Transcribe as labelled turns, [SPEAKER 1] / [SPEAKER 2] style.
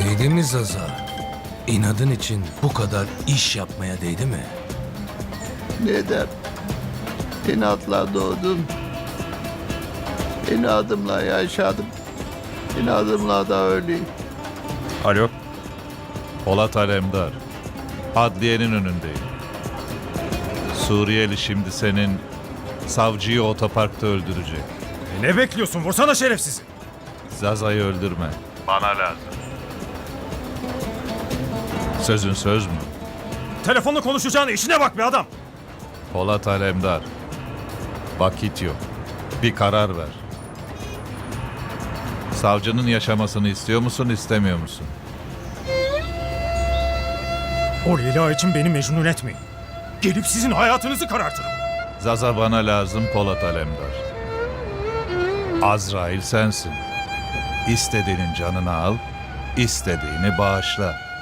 [SPEAKER 1] Değdi mi Zaza? İnadın için bu kadar iş yapmaya değdi mi?
[SPEAKER 2] Neden? İnatla doğdum. İnadımla yaşadım. İnadımla da öleyim.
[SPEAKER 3] Alo. Polat Alemdar. Adliyenin önündeyim. Suriyeli şimdi senin savcıyı otoparkta öldürecek.
[SPEAKER 4] Ne bekliyorsun? Vursana şerefsizi.
[SPEAKER 3] Zaza'yı öldürme. Bana lazım. Sözün söz mü?
[SPEAKER 4] Telefonla konuşacağına işine bak be adam.
[SPEAKER 3] Polat Alemdar. Vakit yok. Bir karar ver. Savcının yaşamasını istiyor musun, istemiyor musun?
[SPEAKER 4] O Leyla için beni mecnun etmeyin. Gelip sizin hayatınızı karartırım.
[SPEAKER 3] Zaza bana lazım Polat Alemdar. Azrail sensin. İstediğinin canını al, istediğini bağışla.